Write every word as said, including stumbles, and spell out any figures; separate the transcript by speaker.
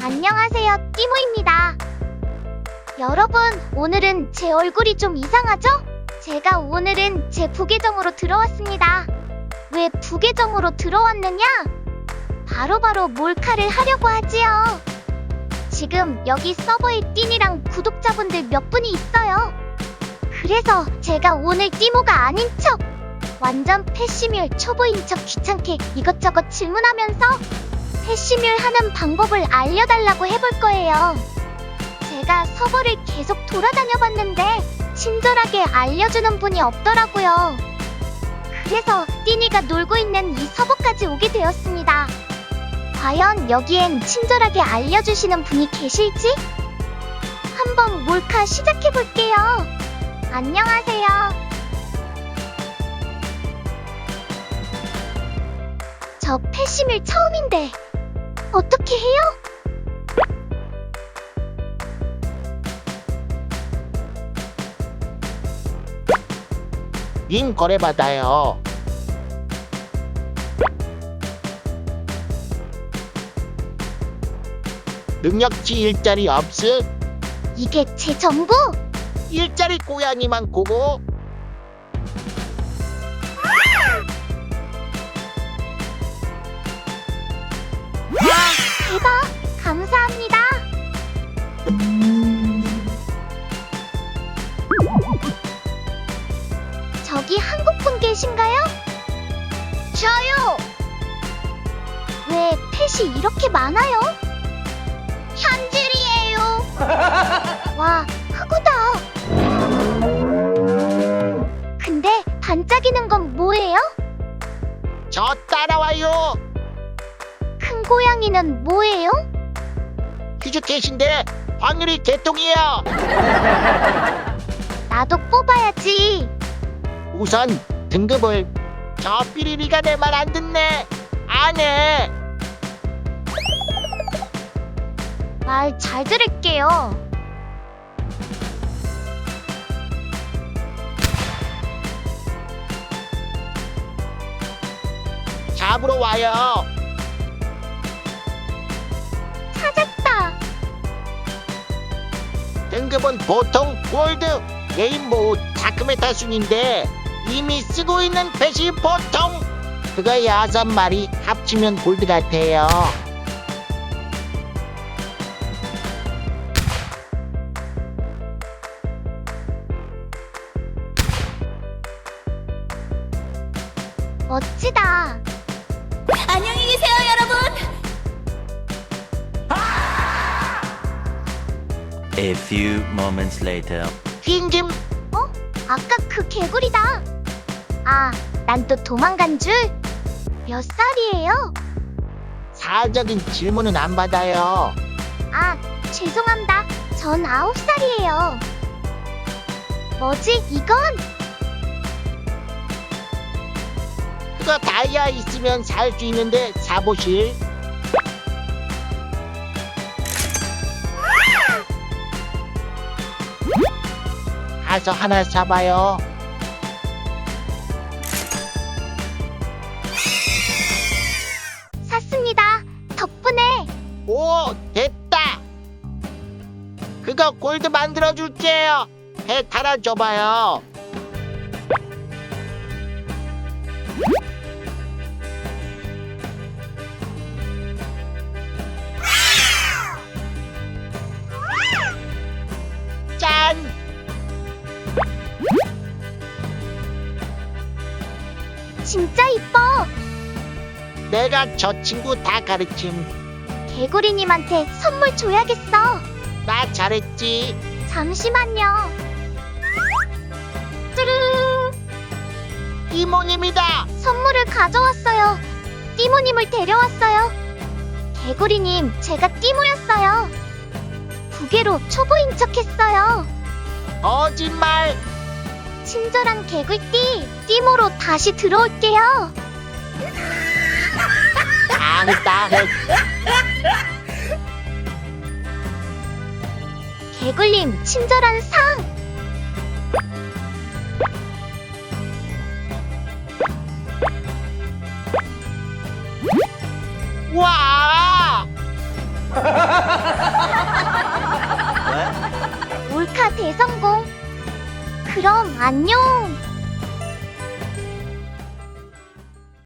Speaker 1: 안녕하세요, 띠모입니다. 여러분, 오늘은 제 얼굴이 좀 이상하죠? 제가 오늘은 제 부계정으로 들어왔습니다. 왜 부계정으로 들어왔느냐? 바로바로 몰카를 하려고 하지요. 지금 여기 서버에 띠니랑 구독자분들 몇 분이 있어요. 그래서 제가 오늘 띠모가 아닌 척, 완전 패시뮬 초보인 척 귀찮게 이것저것 질문하면서 패시뮬 하는 방법을 알려달라고 해볼 거예요. 제가 서버를 계속 돌아다녀 봤는데 친절하게 알려주는 분이 없더라고요. 그래서 띠니가 놀고 있는 이 서버까지 오게 되었습니다. 과연 여기엔 친절하게 알려주시는 분이 계실지? 한번 몰카 시작해볼게요. 안녕하세요. 저 패시밀 처음인데 어떻게 해요?
Speaker 2: 님 거래 받아요. 능력치 일자리 없음?
Speaker 1: 이게 제 전부?
Speaker 2: 일자리 고양이만 고고?
Speaker 1: 와, 대박! 감사합니다. 저기 한국분 계신가요? 저요! 왜 펫이 이렇게 많아요? 현질이에요. 와, 크구다. 근데 반짝이는 건 뭐예요?
Speaker 2: 저 따라와요.
Speaker 1: 큰 고양이는 뭐예요?
Speaker 2: 휴즈캣인데 확률이 개똥이에요.
Speaker 1: 나도 뽑아야지.
Speaker 2: 우선 등급을. 저 삐리리가 내 말 안 듣네. 안 해.
Speaker 1: 말 잘 들을게요.
Speaker 2: 잡으러 와요.
Speaker 1: 찾았다.
Speaker 2: 등급은 보통 골드, 레인보우, 다크메타 순인데 이미 쓰고 있는 펫이 보통. 그거 여섯 마리 합치면 골드 같아요.
Speaker 1: 멋지다.
Speaker 3: 안녕히 계세요, 여러분.
Speaker 4: A few moments later.
Speaker 2: 흰김.
Speaker 1: 어? 아까 그 개구리다. 아, 난 또 도망간 줄? 몇 살이에요?
Speaker 2: 사적인 질문은 안 받아요.
Speaker 1: 아, 죄송합니다. 전 아홉 살이에요. 뭐지, 이건?
Speaker 2: 그거 다이아 있으면 살 수 있는데 사보실? 가서 하나 사봐요.
Speaker 1: 샀습니다. 덕분에.
Speaker 2: 오, 됐다. 그거 골드 만들어줄게요. 배 달아줘봐요. 짠!
Speaker 1: 진짜 이뻐.
Speaker 2: 내가 저 친구 다 가르침.
Speaker 1: 개구리님한테 선물 줘야겠어.
Speaker 2: 나 잘했지.
Speaker 1: 잠시만요. 뚜루.
Speaker 2: 이모님이다.
Speaker 1: 선물을 가져왔어요. 띠모님을 데려왔어요. 개구리님, 제가 띠모였어요. 부계로 초보인 척했어요.
Speaker 2: 거짓말.
Speaker 1: 친절한 개굴띠, 띠모로 다시 들어올게요.
Speaker 2: 아, 나
Speaker 1: 개굴님, 친절한 상.
Speaker 2: 와!
Speaker 1: 몰카 대성공. 그럼 안녕.